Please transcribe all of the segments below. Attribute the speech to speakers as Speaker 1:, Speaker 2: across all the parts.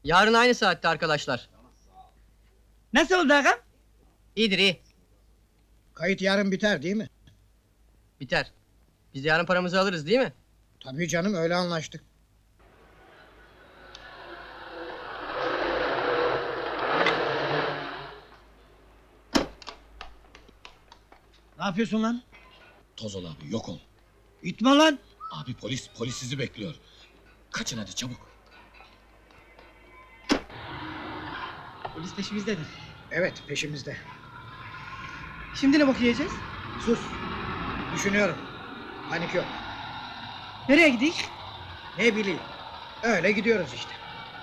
Speaker 1: Yarın aynı saatte arkadaşlar.
Speaker 2: Nasıl oldu ağam?
Speaker 1: İyidir iyi.
Speaker 3: Kayıt yarın biter değil mi?
Speaker 1: Biter. Biz yarın paramızı alırız değil mi?
Speaker 3: Tabii canım, öyle anlaştık.
Speaker 2: Ne yapıyorsun lan?
Speaker 4: Toz ol abi, yok ol.
Speaker 2: İtme lan!
Speaker 4: Abi polis sizi bekliyor. Kaçın hadi çabuk.
Speaker 2: Polis peşimizdedir.
Speaker 3: Evet, peşimizde.
Speaker 2: Şimdi ne bok yiyeceğiz?
Speaker 3: Sus. Düşünüyorum. Panik yok.
Speaker 2: Nereye gidik?
Speaker 3: Ne bileyim. Öyle gidiyoruz işte.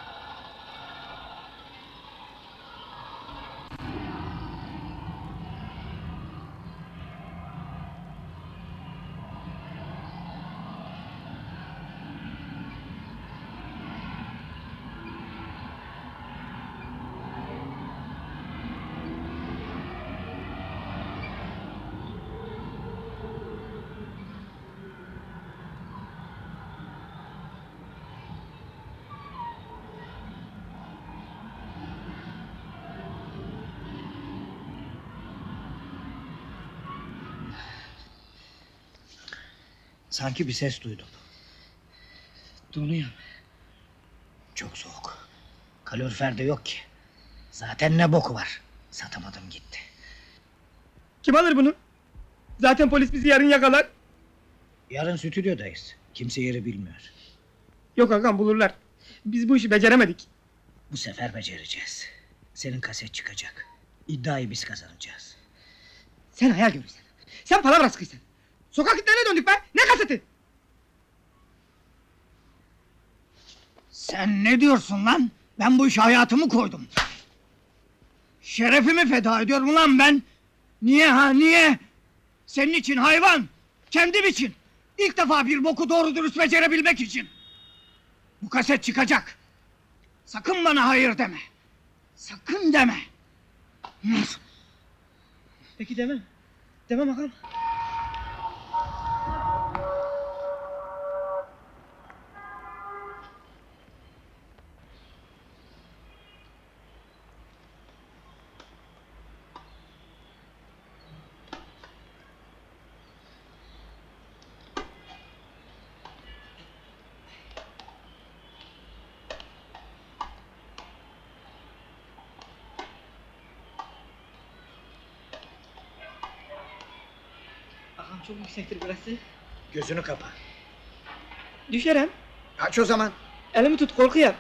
Speaker 2: Sanki bir ses duydum. Donuyor. Çok soğuk. Kalorifer de yok ki. Zaten ne boku var. Satamadım gitti.
Speaker 5: Kim alır bunu? Zaten polis bizi yarın yakalar.
Speaker 2: Yarın stüdyodayız. Kimse yeri bilmiyor.
Speaker 5: Yok ağam bulurlar. Biz bu işi beceremedik.
Speaker 2: Bu sefer becereceğiz. Senin kaset çıkacak. İddiayı biz kazanacağız.
Speaker 5: Sen hayal görürsen. Sen palavra sıkıysan. Sokak itlerine döndük be. Ne kaseti?
Speaker 2: Sen ne diyorsun lan? Ben bu işe hayatımı koydum. Şerefimi feda ediyorum lan ben. Niye ha niye? Senin için hayvan. Kendim için. İlk defa bir boku doğru dürüst becerebilmek için. Bu kaset çıkacak. Sakın bana hayır deme. Sakın deme.
Speaker 5: Peki demem. Demem ağam. Ağam çok yüksektir burası.
Speaker 3: Gözünü kapa.
Speaker 5: Düşerem.
Speaker 3: Aç o zaman.
Speaker 5: Elimi tut korkuyorum.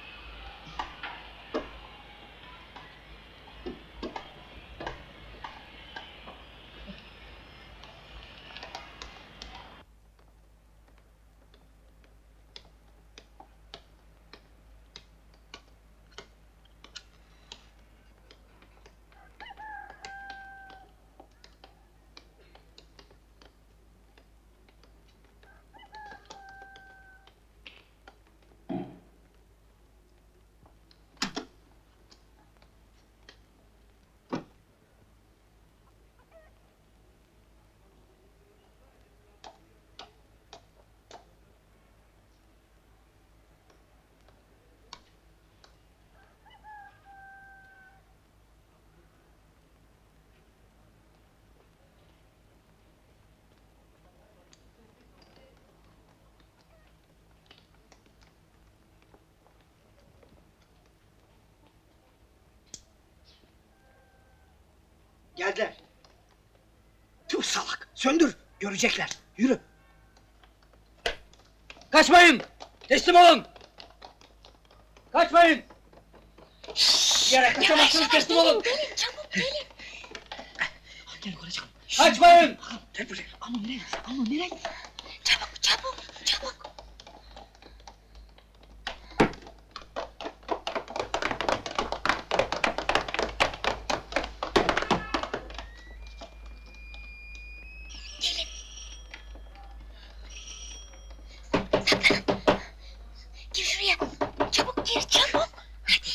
Speaker 2: Geldiler. Tüh salak. Söndür. Görecekler. Yürü. Kaçmayın. Teslim olun. Kaçmayın. Bir yere kaçamazsınız. Teslim olun.
Speaker 6: Çabuk gelin.
Speaker 2: Gel yukarı çıkalım. Kaçmayın. Gel buraya.
Speaker 5: Ama nereye? Ama nereye?
Speaker 6: Çabuk. Saklanın. Gir şuraya. Çabuk gir çabuk. Hadi.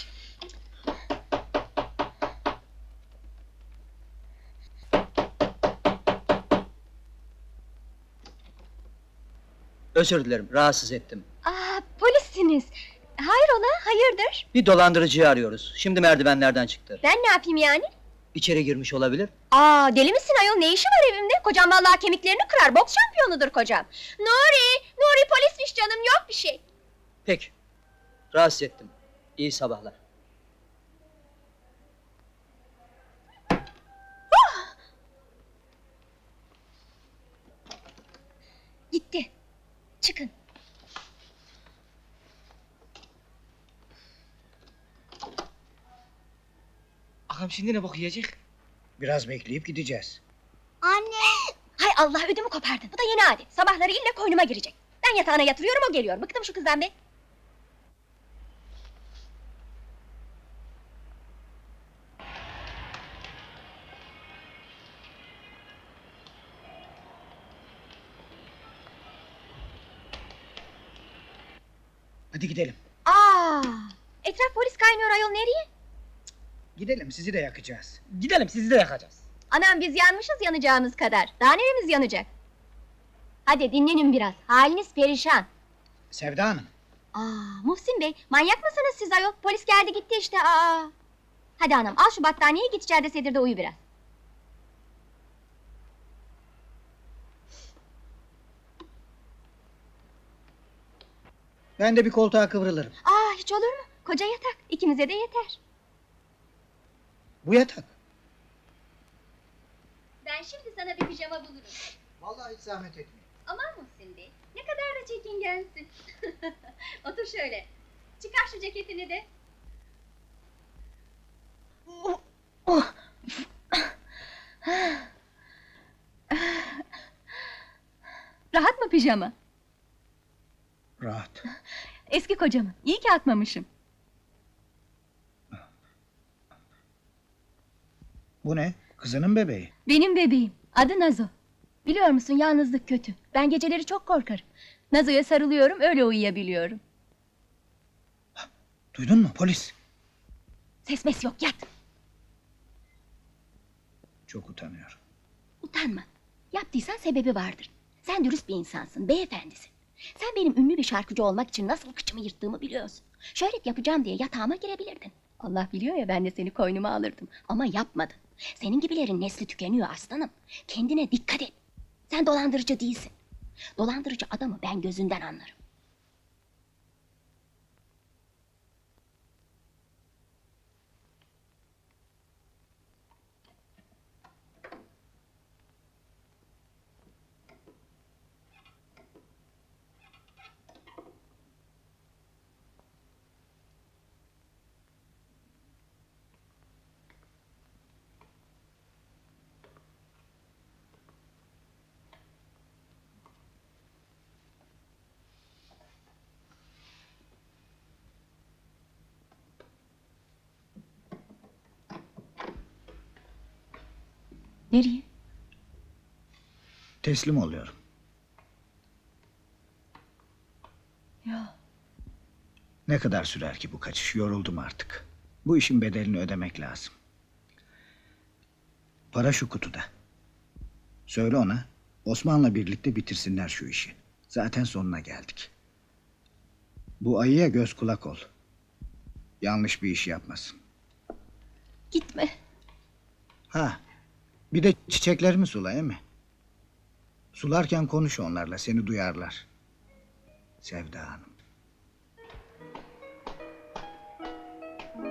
Speaker 1: Özür dilerim rahatsız ettim.
Speaker 6: Aa, polissiniz. Hayrola? Hayrola, hayırdır?
Speaker 7: Bir dolandırıcıyı arıyoruz. Şimdi merdivenlerden çıktı.
Speaker 6: Ben ne yapayım yani?
Speaker 7: İçeri girmiş olabilir.
Speaker 6: Aa, deli misin ayol, ne işi var evimde? Kocam vallahi kemiklerini kırar, boks şampiyonudur kocam. Nuri polismiş canım, yok bir şey.
Speaker 7: Peki. Rahatsız ettim. İyi sabahlar.
Speaker 6: Gitti. Çıkın.
Speaker 5: Ağam şimdi ne bok yiyecek?
Speaker 3: Biraz bekleyip gideceğiz.
Speaker 6: Anne! Hay Allah, ödümü kopardın. Bu da yeni adet. Sabahları ille koynuma girecek. Ben yatağına yatırıyorum, o geliyor. Bıktım şu kızdan be.
Speaker 3: Hadi gidelim.
Speaker 6: Aa! Etraf polis kaynıyor ayol, nereye?
Speaker 3: Gidelim, sizi de yakacağız.
Speaker 5: Gidelim sizi de yakacağız.
Speaker 6: Anam, biz yanmışız yanacağımız kadar. Daha neremiz yanacak? Hadi dinlenin biraz. Haliniz perişan.
Speaker 3: Sevda Hanım,
Speaker 6: Aa, Muhsin Bey, manyak mısınız siz ayol? Polis geldi gitti işte. Aa! Hadi anam, al şu battaniyeyi, git içeride sedirde uyu biraz.
Speaker 3: ben de bir koltuğa kıvrılırım.
Speaker 6: Aa, hiç olur mu? Koca yatak, ikimize de yeter.
Speaker 3: Bu yatak.
Speaker 6: Ben şimdi sana bir pijama bulurum.
Speaker 3: Vallahi hiç zahmet etmeyin.
Speaker 6: Aman Muhsin Bey, ne kadar da çekingensin. Otur şöyle. Çıkar şu ceketini de. Rahat mı pijama?
Speaker 3: Rahat.
Speaker 6: Eski kocamın. İyi ki atmamışım.
Speaker 3: Bu ne? Kızının bebeği.
Speaker 6: Benim bebeğim. Adı Nazo. Biliyor musun, yalnızlık kötü. Ben geceleri çok korkarım. Nazo'ya sarılıyorum, öyle uyuyabiliyorum.
Speaker 3: Duydun mu polis?
Speaker 6: Ses mes yok, yat.
Speaker 3: Çok utanıyorum.
Speaker 6: Utanma. Yaptıysan sebebi vardır. Sen dürüst bir insansın, beyefendisin. Sen benim ünlü bir şarkıcı olmak için nasıl kıçımı yırttığımı biliyorsun. Şöhret yapacağım diye yatağıma girebilirdin. Allah biliyor ya, ben de seni koynuma alırdım. Ama yapmadın. Senin gibilerin nesli tükeniyor aslanım. Kendine dikkat et. Sen dolandırıcı değilsin. Dolandırıcı adamı ben gözünden anlarım. Nereye?
Speaker 3: Teslim oluyorum.
Speaker 6: Ya.
Speaker 3: Ne kadar sürer ki bu kaçış? Yoruldum artık. Bu işin bedelini ödemek lazım. Para şu kutuda. Söyle ona, Osman'la birlikte bitirsinler şu işi. Zaten sonuna geldik. Bu ayıya göz kulak ol. Yanlış bir iş yapmasın.
Speaker 6: Gitme.
Speaker 3: Ha, bir de çiçeklerimi sula, değil mi? Sularken konuş onlarla, seni duyarlar. Sevda Hanım.